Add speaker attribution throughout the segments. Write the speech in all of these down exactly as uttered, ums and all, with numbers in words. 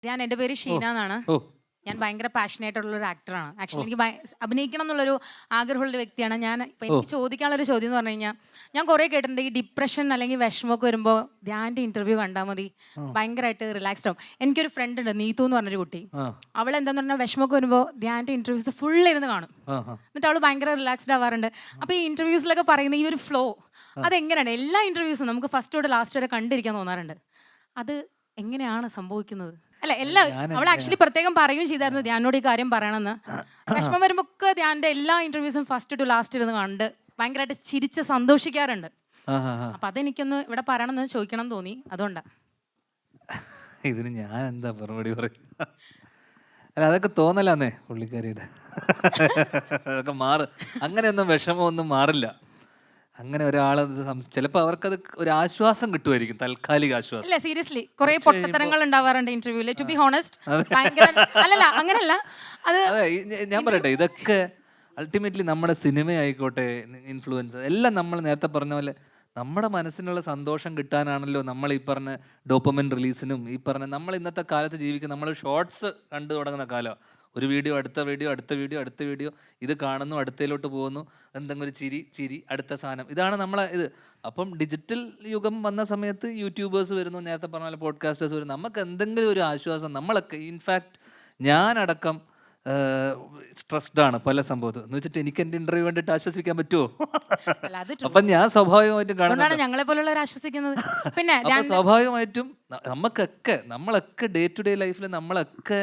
Speaker 1: ഞാൻ എൻ്റെ പേര് ഷീന എന്നാണ്.
Speaker 2: ഓ
Speaker 1: ഞാൻ ഭയങ്കര പാഷനേറ്റ് ഉള്ള ഒരു ആക്ടറാണ്. ആക്ച്വലി എനിക്ക് ഭയ- അഭിനയിക്കണം എന്നുള്ളൊരു ആഗ്രഹമുള്ള വ്യക്തിയാണ് ഞാൻ. ഇപ്പം എനിക്ക് ചോദിക്കാനുള്ളൊരു ചോദ്യം എന്ന് പറഞ്ഞു കഴിഞ്ഞാൽ, ഞാൻ കുറേ കേട്ടിട്ടുണ്ട് ഈ ഡിപ്രഷൻ അല്ലെങ്കിൽ വിഷമമൊക്കെ വരുമ്പോൾ ധ്യാൻ്റെ ഇന്റർവ്യൂ കണ്ടാൽ മതി, ഭയങ്കരമായിട്ട് റിലാക്സ്ഡ് ആവും. എനിക്കൊരു ഫ്രണ്ട് ഉണ്ട്, നീതു എന്ന് പറഞ്ഞൊരു കുട്ടി. അവൾ എന്താന്ന് പറഞ്ഞാൽ വിഷമമൊക്കെ വരുമ്പോൾ ധ്യാൻ്റെ ഇന്റർവ്യൂസ് ഫുൾ ഇരുന്ന് കാണും. എന്നിട്ട് അവൾ ഭയങ്കര റിലാക്സ്ഡ് ആവാറുണ്ട്. അപ്പോൾ ഈ ഇന്റർവ്യൂസിലൊക്കെ പറയുന്ന ഈ ഒരു ഫ്ലോ അതെങ്ങനെയാണ്? എല്ലാ ഇന്റർവ്യൂസും നമുക്ക് ഫസ്റ്റ് തൊട്ട് ലാസ്റ്റ് വരെ കണ്ടിരിക്കാൻ തോന്നാറുണ്ട്. അത് എങ്ങനെയാണ് സംഭവിക്കുന്നത്? അല്ല, എല്ലാ അവൾ ആക്ച്വലി പ്രത്യേകം പറയുകയും ചെയ്തായിരുന്നു ധ്യാനോട് ഈ കാര്യം പറയണമെന്ന്. വിഷമം വരുമ്പോ ഒക്കെ ധ്യാന്റെ എല്ലാ ഇന്റർവ്യൂസും ഫസ്റ്റ് ടു ലാസ്റ്റ് ഇരുന്ന് കണ്ട് ഭയങ്കരമായിട്ട് ചിരിച്ച് സന്തോഷിക്കാറുണ്ട്. അപ്പൊ അതെനിക്കൊന്ന് ഇവിടെ പറയണമെന്ന് ചോദിക്കണം തോന്നി, അതുകൊണ്ടാ.
Speaker 2: ഇതിന് ഞാൻ എന്താ മറുപടി പറയും? അല്ല, അതൊക്കെ തോന്നലാന്നേ പുള്ളിക്കാരിയുടെ. അതൊക്കെ മാറ്. അങ്ങനെയൊന്നും വിഷമമൊന്നും മാറില്ല. അങ്ങനെ ഒരാൾ ചിലപ്പോൾ അവർക്കത് ഒരു ആശ്വാസം കിട്ടുമായിരിക്കും, താൽക്കാലിക ആശ്വാസം.
Speaker 1: ഇല്ല, സീരിയസ്ലി കുറെ പൊട്ടത്തരങ്ങൾ ഉണ്ടാവാറുണ്ട് ഇന്റർവ്യൂല്. ടു ബി ഹോണസ്റ്റ്, അല്ലല്ല അങ്ങനല്ല. അത്
Speaker 2: അതെ, ഞാൻ പറയട്ടെ, ഇതൊക്കെ അൾട്ടിമേറ്റ്ലി നമ്മുടെ സിനിമ ആയിക്കോട്ടെ, ഇൻഫ്ലുവൻസ് എല്ലാം നമ്മൾ നേരത്തെ പറഞ്ഞ പോലെ നമ്മുടെ മനസ്സിനുള്ള സന്തോഷം കിട്ടാനാണല്ലോ നമ്മൾ ഈ പറഞ്ഞ ഡോപ്പമിൻ റിലീസിനും ഈ പറഞ്ഞ നമ്മൾ ഇന്നത്തെ കാലത്ത് ജീവിക്കുന്ന നമ്മൾ ഷോർട്സ് കണ്ടു തുടങ്ങുന്ന കാലം. ഒരു വീഡിയോ, അടുത്ത വീഡിയോ, അടുത്ത വീഡിയോ, അടുത്ത വീഡിയോ, ഇത് കാണുന്നു, അടുത്തയിലോട്ട് പോകുന്നു, എന്തെങ്കിലും ഒരു ചിരി ചിരി അടുത്ത സാധനം, ഇതാണ് നമ്മളെ ഇത്. അപ്പം ഡിജിറ്റൽ യുഗം വന്ന സമയത്ത് യൂട്യൂബേഴ്സ് വരുന്നു, നേരത്തെ പറഞ്ഞ പോലെ പോഡ്കാസ്റ്റേഴ്സ് വരുന്നു. നമുക്ക് എന്തെങ്കിലും ഒരു ആശ്വാസം, നമ്മളൊക്കെ ഇൻഫാക്ട് ഞാനടക്കം സ്ട്രെസ്ഡ് ആണ് പല സംഭവത്തിൽ എന്ന് വെച്ചിട്ട് എനിക്ക് എൻ്റെ ഇന്റർവ്യൂ വേണ്ടിയിട്ട് ആശ്വസിക്കാൻ പറ്റുമോ? അപ്പം ഞാൻ സ്വാഭാവികമായിട്ടും കാണുന്നുണ്ട്,
Speaker 1: ഞങ്ങളെ പോലുള്ളവർ ആശ്വസിക്കുന്നത്. പിന്നെ
Speaker 2: അപ്പം സ്വാഭാവികമായിട്ടും നമുക്കൊക്കെ നമ്മളൊക്കെ ഡേ ടു ഡേ ലൈഫിൽ നമ്മളൊക്കെ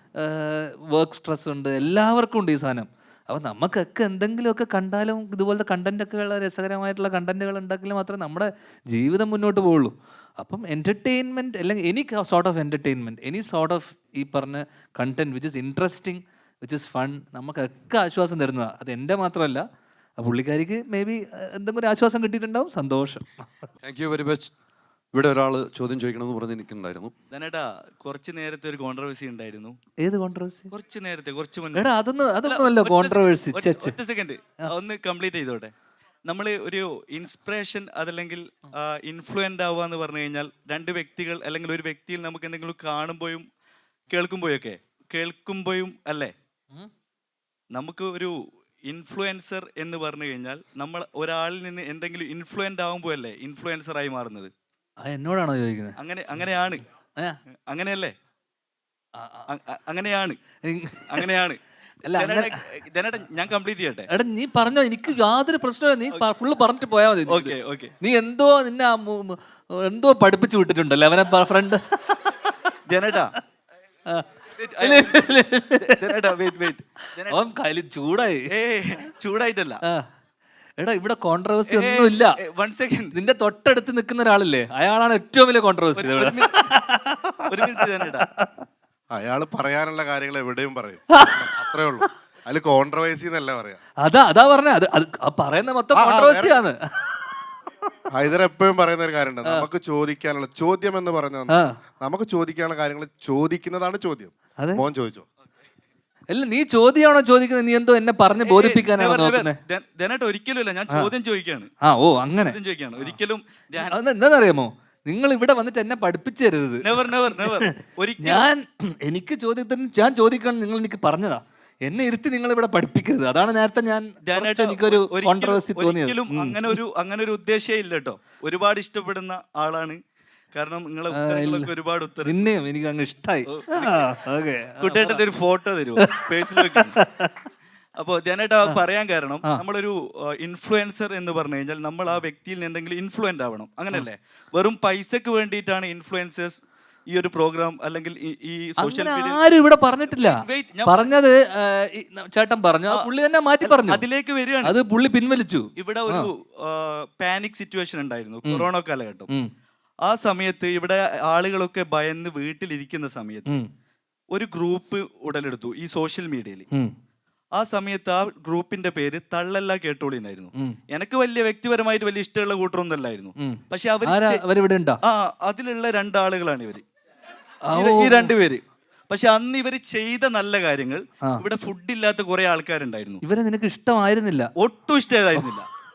Speaker 2: വർക്ക് സ്ട്രെസ് ഉണ്ട്, എല്ലാവർക്കും ഉണ്ട് ഈ സാധനം. അപ്പം നമുക്കൊക്കെ എന്തെങ്കിലുമൊക്കെ കണ്ടാലും ഇതുപോലത്തെ കണ്ടൻറ്റൊക്കെ ഉള്ള രസകരമായിട്ടുള്ള കണ്ടൻറ്റുകൾ ഉണ്ടാക്കിയാൽ മാത്രമേ നമ്മുടെ ജീവിതം മുന്നോട്ട് പോവുള്ളൂ. അപ്പം എൻ്റർടൈൻമെൻറ്റ് അല്ലെങ്കിൽ any sort of entertainment, any sort of ഈ പറഞ്ഞ content which is interesting, which is fun, നമുക്കൊക്കെ ആശ്വാസം തരുന്നതാണ്. അത് എൻ്റെ മാത്രമല്ല, പുള്ളിക്കാരിക്ക് മേ ബി എന്തെങ്കിലും ഒരു ആശ്വാസം കിട്ടിയിട്ടുണ്ടാവും, സന്തോഷം.
Speaker 3: Thank you very much. ഇവിടെ ഒരാൾ ചോദ്യം ചോദിക്കണമെന്ന് പറഞ്ഞ് നിൽക്കുന്നുണ്ടായിരുന്നു.
Speaker 4: ധനേട്ടാ, കുറച്ച് നേരത്തെ ഒരു കോൺട്രവേഴ്സി ഉണ്ടായിരുന്നു.
Speaker 2: ഏത് കോൺട്രവേഴ്സി?
Speaker 4: കുറച്ച് നേരത്തെ, കുറച്ച് മുന്നേ.
Speaker 2: എടാ, അതൊന്നും അതൊന്നും അല്ല കോൺട്രവേഴ്സി.
Speaker 4: ഒറ്റ സെക്കൻഡ് ഒന്ന് കംപ്ലീറ്റ് ചെയ്തോട്ടെ. നമ്മൾ ഒരു ഇൻസ്പിറേഷൻ അതല്ലെങ്കിൽ ഇൻഫ്ലുവൻ്റ് ആവുക എന്ന് പറഞ്ഞു കഴിഞ്ഞാൽ രണ്ട് വ്യക്തികൾ അല്ലെങ്കിൽ ഒരു വ്യക്തിയിൽ നമുക്ക് എന്തെങ്കിലും കാണുമ്പോഴും കേൾക്കുമ്പോഴൊക്കെ കേൾക്കുമ്പോഴും അല്ലേ, നമുക്ക് ഒരു ഇൻഫ്ലുവൻസർ എന്ന് പറഞ്ഞു കഴിഞ്ഞാൽ നമ്മൾ ഒരാളിൽ നിന്ന് എന്തെങ്കിലും ഇൻഫ്ലുവൻ്റ് ആകുമ്പോൾ അല്ലേ ഇൻഫ്ലുവൻസറായി മാറുന്നത്.
Speaker 2: എന്നോടാണോ ചോദിക്കുന്നത്?
Speaker 4: അങ്ങനെ അങ്ങനെയാണ് അങ്ങനെയല്ലേ അങ്ങനെയാണ് അങ്ങനെയാണ് ഞാൻ കംപ്ലീറ്റ് ചെയ്യട്ടെ.
Speaker 2: എടാ, നീ പറഞ്ഞോ, എനിക്ക് യാതൊരു പ്രശ്നമില്ല, നീ ഫുള്ള് പറഞ്ഞിട്ട് പോയാൽ മതി.
Speaker 4: Okay okay.
Speaker 2: നീ എന്തോ നിന്നെ എന്തോ പഠിപ്പിച്ചു വിട്ടിട്ടുണ്ടല്ലോ അവനെ ഫ്രണ്ട്
Speaker 4: ജനേട്ടാ.
Speaker 2: അവൻ കയ്യിൽ ചൂടായി.
Speaker 4: ചൂടായിട്ടല്ല
Speaker 2: എടാ, ഇവിടെ കോൺട്രവേഴ്സി ഒന്നുമില്ല.
Speaker 4: One second.
Speaker 2: നിന്റെ തൊട്ടടുത്ത് നിൽക്കുന്ന ഒരാളില്ലേ, അയാളാണ് ഏറ്റവും വലിയ കോൺട്രവേഴ്സി.
Speaker 4: ഒരു മിനിറ്റ് ജനേട്ടാ.
Speaker 3: അയാള് പറയാനുള്ള കാര്യങ്ങൾ എവിടെയും പറയും, അത്രേ ഉള്ളൂ. അതിൽ കോൺട്രവേഴ്സി എന്നല്ല പറയാ.
Speaker 2: അതാ അതാ പറഞ്ഞ അത് പറയുന്ന മൊത്തം കോൺട്രവേഴ്സിയാണ്.
Speaker 3: ഹൈദർ എപ്പോഴും പറയുന്ന ഒരു കാര്യമുണ്ട്, നമുക്ക് ചോദിക്കാനുള്ള ചോദ്യം എന്ന് പറഞ്ഞാൽ നമുക്ക് ചോദിക്കാനുള്ള കാര്യങ്ങൾ ചോദിക്കുന്നതാണ് ചോദ്യം. മോൻ ചോദിച്ചോ?
Speaker 2: അല്ല, നീ ചോദ്യമാണോ ചോദിക്കുന്നത്? നീ എന്തോ എന്നെ പറഞ്ഞ് ബോധിപ്പിക്കാനാണോ നോക്കുന്നത്?
Speaker 4: ഒരിക്കലും ഞാൻ ചോദ്യം ചോദിക്കാണ്.
Speaker 2: ആ ഓ അങ്ങനെ
Speaker 4: ചോദിക്കാണ്. ഒരിക്കലും
Speaker 2: എന്താണെന്നറിയാമോ, നിങ്ങൾ ഇവിടെ വന്നിട്ട് എന്നെ പഠിപ്പിച്ചു തരരുത്. ഞാൻ എനിക്ക് ചോദ്യത്തിന് ഞാൻ ചോദിക്കണം, നിങ്ങൾ എനിക്ക് പറഞ്ഞതാ, എന്നെ ഇരുത്തി നിങ്ങൾ ഇവിടെ പഠിപ്പിക്കരുത്. അതാണ് നേരത്തെ ഞാൻ എനിക്കൊരു കോൺട്രവേഴ്സി തോന്നിയത്.
Speaker 4: അങ്ങനെ ഒരു അങ്ങനെ ഒരു ഉദ്ദേശം ഇല്ല കേട്ടോ. ഒരുപാട് ഇഷ്ടപ്പെടുന്ന ആളാണ്, കാരണം നിങ്ങളെ ഒരുപാട് ഉത്തരം
Speaker 2: പിന്നെയും എനിക്ക് അങ്ങ് ഇഷ്ടമായി.
Speaker 4: കുട്ടിയേട്ടൻ്റെ ഒരു ഫോട്ടോ തരുമോ ഫേസ്ബുക്കിൽ? അപ്പോൾ ധ്യാനേട്ടാ പറയാൻ കാരണം, നമ്മളൊരു ഇൻഫ്ലുവൻസർ എന്ന് പറഞ്ഞു കഴിഞ്ഞാൽ നമ്മൾ ആ വ്യക്തിയിൽ നിന്ന് എന്തെങ്കിലും ഇൻഫ്ലുവൻ്റ് ആവണം, അങ്ങനല്ലേ? വെറും പൈസക്ക് വേണ്ടിയിട്ടാണ് ഇൻഫ്ലുവൻസേഴ്സ് ഈ ഒരു പ്രോഗ്രാം അല്ലെങ്കിൽ ഈ സോഷ്യൽ മീഡിയ
Speaker 2: ആരും ഇവിടെ പറഞ്ഞിട്ടില്ല. പറഞ്ഞത് ചേട്ടൻ പറഞ്ഞു, പുള്ളി തന്നെ മാറ്റി പറഞ്ഞു.
Speaker 4: അതിലേക്ക് വരികയാണ്,
Speaker 2: അത് പുള്ളി പിൻവലിച്ചു.
Speaker 4: ഇവിടെ ഒരു പാനിക് സിറ്റുവേഷൻ ഉണ്ടായിരുന്നു കൊറോണ കാലഘട്ടം. ആ സമയത്ത് ഇവിടെ ആളുകളൊക്കെ ഭയന്ന് വീട്ടിലിരിക്കുന്ന സമയത്ത് ഒരു ഗ്രൂപ്പ് ഉടലെടുത്തു ഈ സോഷ്യൽ മീഡിയയിൽ. ആ സമയത്ത് ആ ഗ്രൂപ്പിന്റെ പേര് തള്ളല്ല കേട്ടോളി എന്നായിരുന്നു. എനിക്ക് വലിയ വ്യക്തിപരമായിട്ട് വലിയ ഇഷ്ടമുള്ള കൂട്ടറൊന്നും അല്ലായിരുന്നു. പക്ഷെ അവർ ആ അതിലുള്ള രണ്ടാളുകളാണ് ഇവര്, ഈ രണ്ടുപേര്. പക്ഷെ അന്ന് ഇവര് ചെയ്ത നല്ല കാര്യങ്ങൾ, ഇവിടെ ഫുഡ് ഇല്ലാത്ത കുറെ ആൾക്കാരുണ്ടായിരുന്നു.
Speaker 2: ഇവരെ നിനക്ക് ഇഷ്ടമായിരുന്നില്ല?
Speaker 4: ഒട്ടും ഇഷ്ടമായിരുന്നില്ല.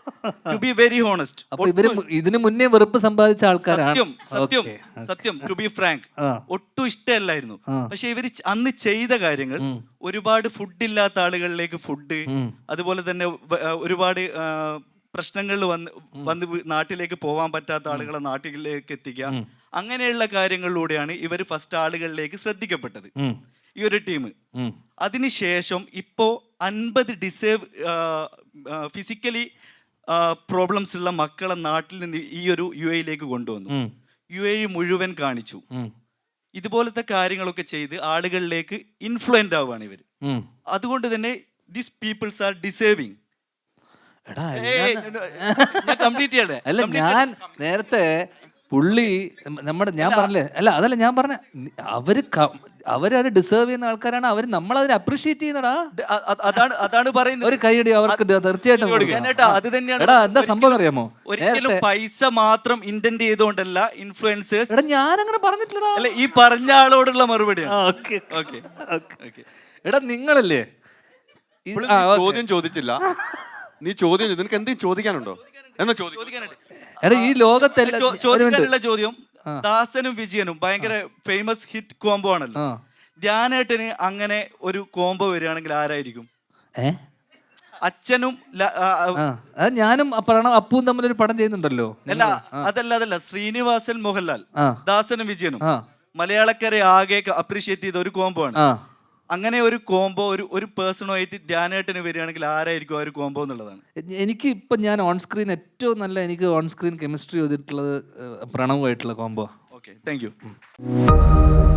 Speaker 4: To be very honest.
Speaker 2: അപ്പൊ ഇവര് മു- ഇതിന് മുന്നേ വെറുപ്പ് സമ്പാദിച്ച ആൾക്കാരാണ്.
Speaker 4: സത്യം സത്യം
Speaker 2: Okay.
Speaker 4: സത്യം ടു ബി ഫ്രാങ്ക്
Speaker 2: ആ.
Speaker 4: ഒട്ടും ഇഷ്ടമല്ലായിരുന്നു. പക്ഷെ ഇവര് ച- അന്ന് ചെയ്ത കാര്യങ്ങൾ ഒരുപാട് ഫുഡ് ഇല്ലാത്ത ആളുകളിലേക്ക് ഫുഡ്, അതുപോലെ തന്നെ വ- ആ, ഒരുപാട് പ്രശ്നങ്ങളിൽ വന്ന് വന്ന് വീ- നാട്ടിലേക്ക് പോവാൻ പറ്റാത്ത ആളുകളെ നാട്ടിലേക്ക് എത്തിക്കുക, അങ്ങനെയുള്ള കാര്യങ്ങളിലൂടെയാണ് ഇവർ ഫസ്റ്റ് ആളുകളിലേക്ക് ശ്രദ്ധിക്കപ്പെട്ടത്
Speaker 2: ഉം.
Speaker 4: ഈ ഒരു ടീം.
Speaker 2: ഉം.
Speaker 4: അതിനുശേഷം ഇപ്പോൾ അൻപത് ഡിസേബ് ഫിസിക്കലി പ്രോബ്ലംസ് ഉള്ള മക്കളെ നാട്ടിൽ നിന്ന് ഈ ഒരു യു എയിലേക്ക് കൊണ്ടുവന്നു.
Speaker 2: ഉം.
Speaker 4: യു എ മുഴുവൻ കാണിച്ചു.
Speaker 2: ഉം.
Speaker 4: ഇതുപോലത്തെ കാര്യങ്ങളൊക്കെ ചെയ്ത് ആളുകളിലേക്ക് ഇൻഫ്ലുവൻ്റ് ആവുകയാണ് ഇവർ.
Speaker 2: ഉം.
Speaker 4: അതുകൊണ്ട് തന്നെ ദിസ് പീപ്പിൾസ് ആർ ഡിസേർവിങ്.
Speaker 2: എടാ
Speaker 4: ഞാൻ കംപ്ലീറ്റ് ചെയ്യട്ടെ.
Speaker 2: അല്ല ഞാൻ നേരത്തെ പുള്ളി നമ്മുടെ ഞാൻ പറഞ്ഞില്ലേ, അല്ല അതല്ല ഞാൻ പറഞ്ഞ അവര് ക- അവരത് ഡിസേർവ് ചെയ്യുന്ന ആൾക്കാരാണ്. അവർ നമ്മളതിനെ അപ്രീഷിയേറ്റ് ചെയ്യുന്നടാ.
Speaker 4: അ- അ- അതാണ് അതാണ് പറയുന്നത്.
Speaker 2: ഒരു കൈയടി അവർക്ക് ദ- തീർച്ചയായിട്ടും കൊടുക്കണം.
Speaker 4: ഞാനേട്ടാ, അത് തന്നെയാണ്.
Speaker 2: എടാ എന്താ സംഭവം അറിയാമോ?
Speaker 4: ഒരിക്കലും
Speaker 2: നേരത്തെ
Speaker 4: പൈസ മാത്രം ഇന്റന്റ് ചെയ്തുകൊണ്ടല്ല ഇൻഫ്ലുവൻസേഴ്സ്.
Speaker 2: എടാ ഞാൻ അങ്ങനെ പറഞ്ഞിട്ടില്ലടാ.
Speaker 4: അല്ല, ഈ പറഞ്ഞ ആളോടുള്ള മറുപടിയാണ്.
Speaker 2: Okay
Speaker 4: okay okay.
Speaker 2: എടാ നിങ്ങളല്ലേ ഈ-
Speaker 5: ഇപ്പോൾ
Speaker 2: ആ,
Speaker 5: നീ
Speaker 2: ഓക്കേ.
Speaker 5: ചോദ്യം ചോദിച്ചില്ല. നീ ചോദ്യം ചോദിച്ചു. നിനക്ക് എന്തെങ്കിലും ചോദിക്കാനുണ്ടോ? എന്നാ ചോദിക്കും.
Speaker 4: ചോദിക്കാനായിട്ട്
Speaker 2: എടാ ഈ ലോകത്തെല്ലാം
Speaker 4: ചോ-
Speaker 2: ഒരു മിനിറ്റ്.
Speaker 4: ചോദിക്കാനുള്ള ചോദ്യം, ദാസനും വിജയനും ഭയങ്കര ഫേമസ് ഹിറ്റ് കോംബോ ആണല്ലോ.
Speaker 2: ആ.
Speaker 4: ധ്യാനേട്ടന് അങ്ങനെ ഒരു കോംബോ വരികയാണെങ്കിൽ ആരായിരിക്കും?
Speaker 2: ഏ?
Speaker 4: അച്ഛനും ല- ആ, ആ,
Speaker 2: ആ, അത് ഞാനും പ്രണവ് അപ്പുവും തമ്മിൽ ഒരു പടം ചെയ്യുന്നുണ്ടല്ലോ.
Speaker 4: അല്ല അതല്ല അതല്ല ശ്രീനിവാസൻ മോഹൻലാൽ,
Speaker 2: ആ.
Speaker 4: ദാസനും വിജയനും
Speaker 2: ആ.
Speaker 4: മലയാളക്കരെ ആകെ അപ്രീഷിയേറ്റ് ചെയ്ത ഒരു കോംബോ ആണ്.
Speaker 2: ആ.
Speaker 4: അങ്ങനെ ഒരു കോംബോ ഒരു ഒരു പേഴ്സണുമായിട്ട് ധ്യാനേട്ടന് വരികയാണെങ്കിൽ ആരായിരിക്കും ആ ഒരു കോംബോ എന്നുള്ളതാണ്.
Speaker 2: എ- എനിക്ക് ഇപ്പം ഞാൻ ഓൺ സ്ക്രീൻ ഏറ്റവും നല്ല എനിക്ക് ഓൺ സ്ക്രീൻ കെമിസ്ട്രി ചെയ്തിട്ടുള്ളത് ഏഹ്, പ്രണവുമായിട്ടുള്ള കോംബോ.
Speaker 4: Okay, thank U.